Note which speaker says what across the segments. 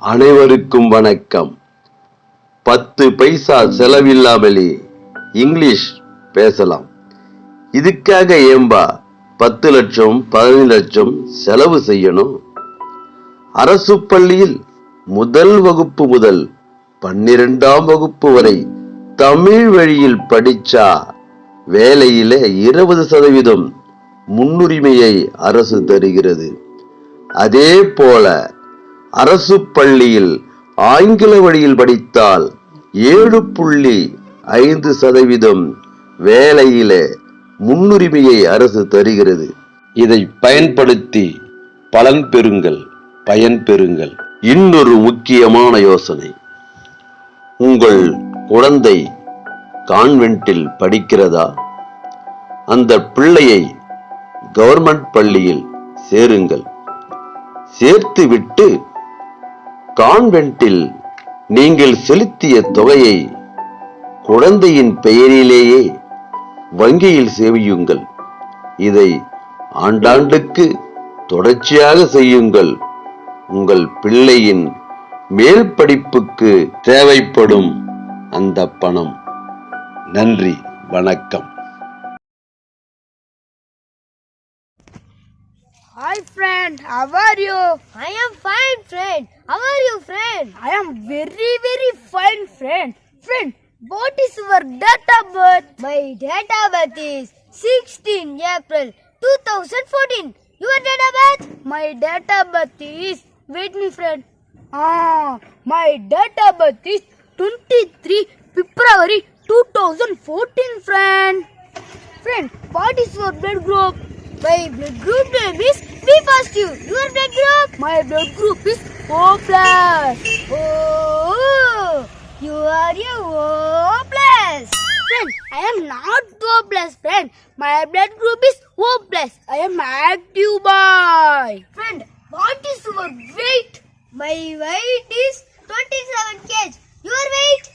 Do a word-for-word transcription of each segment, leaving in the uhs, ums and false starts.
Speaker 1: அனைவருக்கும் வணக்கம். பத்து பைசா செலவில்லாமலே இங்கிலீஷ் பேசலாம். இதுக்காக ஏம்பா பத்து லட்சம் பதினைந்து லட்சம் செலவு செய்யணும்? அரசு பள்ளியில் முதல் வகுப்பு முதல் பன்னிரெண்டாம் வகுப்பு வரை தமிழ் வழியில் படிச்சா வேலையில இருபது சதவீதம் முன்னுரிமையை அரசு தருகிறது. அதே போல அரசு பள்ளியில் ஆங்கில வழியில் படித்தால் ஏழு புள்ளி ஐந்து சதவீதம் வேலையில முன்னுரிமையை அரசு தருகிறது. இதை பயன்படுத்தி பலன் பெறுங்கள், பயன் பெறுங்கள். இன்னொரு முக்கியமான யோசனை, உங்கள் குழந்தை கான்வென்ட்டில் படிக்கிறதா? அந்த பிள்ளையை கவர்மெண்ட் பள்ளியில் சேருங்கள். சேர்த்து விட்டு கான்வென்ட்டில் நீங்கள் செலுத்திய தொகையை குழந்தையின் பெயரிலேயே வங்கியில் சேமியுங்கள். இதை ஆண்டாண்டுக்கு தொடர்ச்சியாக செய்யுங்கள். உங்கள் பிள்ளையின் மேல் படிப்புக்கு தேவைப்படும் அந்த பணம். நன்றி, வணக்கம்.
Speaker 2: Hi friend, how are you?
Speaker 3: I am fine friend. How are you friend?
Speaker 2: I am very very fine friend. Friend, what is your date of birth?
Speaker 3: My date of birth is sixteenth April two thousand fourteen. Your date of birth?
Speaker 2: My date of birth is, wait me friend. Ah, my date of birth is twenty-third February two thousand fourteen friend. Friend, what is your blood group?
Speaker 3: My blood group name is B positive. Your blood group?
Speaker 2: My blood group is O plus.
Speaker 3: Oh, you are a O plus.
Speaker 2: Friend, I am not O plus friend. My blood group is O plus. I am active boy. Friend, what is your weight?
Speaker 3: My weight is twenty-seven kilograms. Your weight?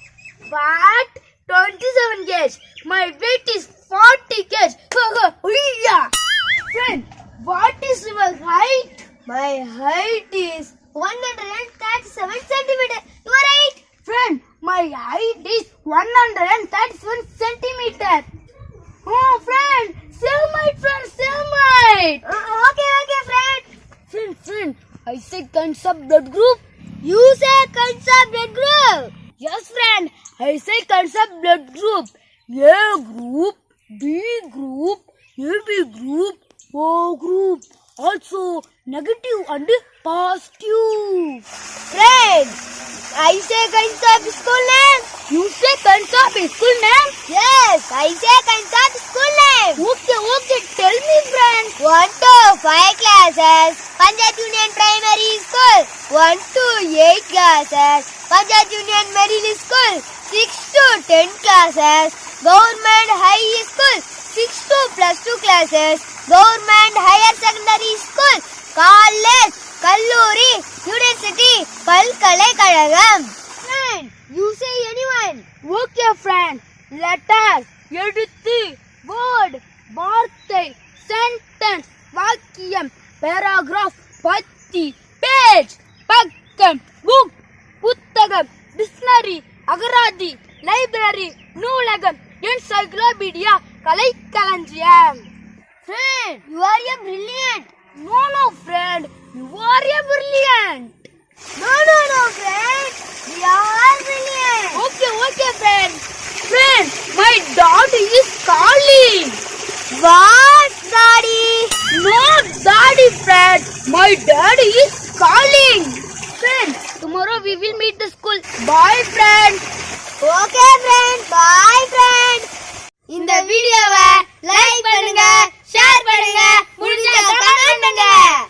Speaker 2: What? twenty-seven kilograms. My weight is forty kilograms. Friend, what is your height?
Speaker 3: My height is one hundred thirty-seven centimeters. Your height?
Speaker 2: Friend, my height is one hundred thirty-seven centimeters. Oh, friend, cellmate, friend, cellmate.
Speaker 3: Uh, okay, okay, friend.
Speaker 2: Friend, friend, I say kinds of blood group.
Speaker 3: You say kinds of blood group.
Speaker 2: Yes, friend, I say kinds of blood group. A group, B group, A B group, O group. Also negative and positive.
Speaker 3: Friend, I say kinds of school name.
Speaker 2: You say kinds of school name?
Speaker 3: Yes, I say kinds of school name.
Speaker 2: Okay, okay, tell me friend.
Speaker 3: one to five classes, Panjat Union Primary School. one to eight classes, Panjat Union Middle School. six to ten classes, Government High School. six to plus two classes, Government Higher Secondary School. College, Kalluri, University, Palkalekazhagam. Friend, you say anyone.
Speaker 2: Okay friend, letters, எழுத்து, word, வார்த்தை, sentence, வாக்கியம், paragraph, பத்தி, page, பக்கம், book, புத்தகம், dictionary, அகராதி, library, நூலகம், encyclopedia, கலைக்களஞ்சியம்.
Speaker 3: Friend, you are a brilliant.
Speaker 2: No, no friend, you are a brilliant.
Speaker 3: No, no, no, friend. We are brilliant.
Speaker 2: Okay, okay, friend. Friend, my daddy is calling.
Speaker 3: What, daddy?
Speaker 2: No, daddy, friend. My daddy is calling. Friend, tomorrow we will meet the school. Bye, friend.
Speaker 3: Okay, friend. Bye, friend. இந்த வீடியோவை like பண்ணுங்க, share பண்ணுங்க, முடிஞ்சா comment பண்ணுங்க.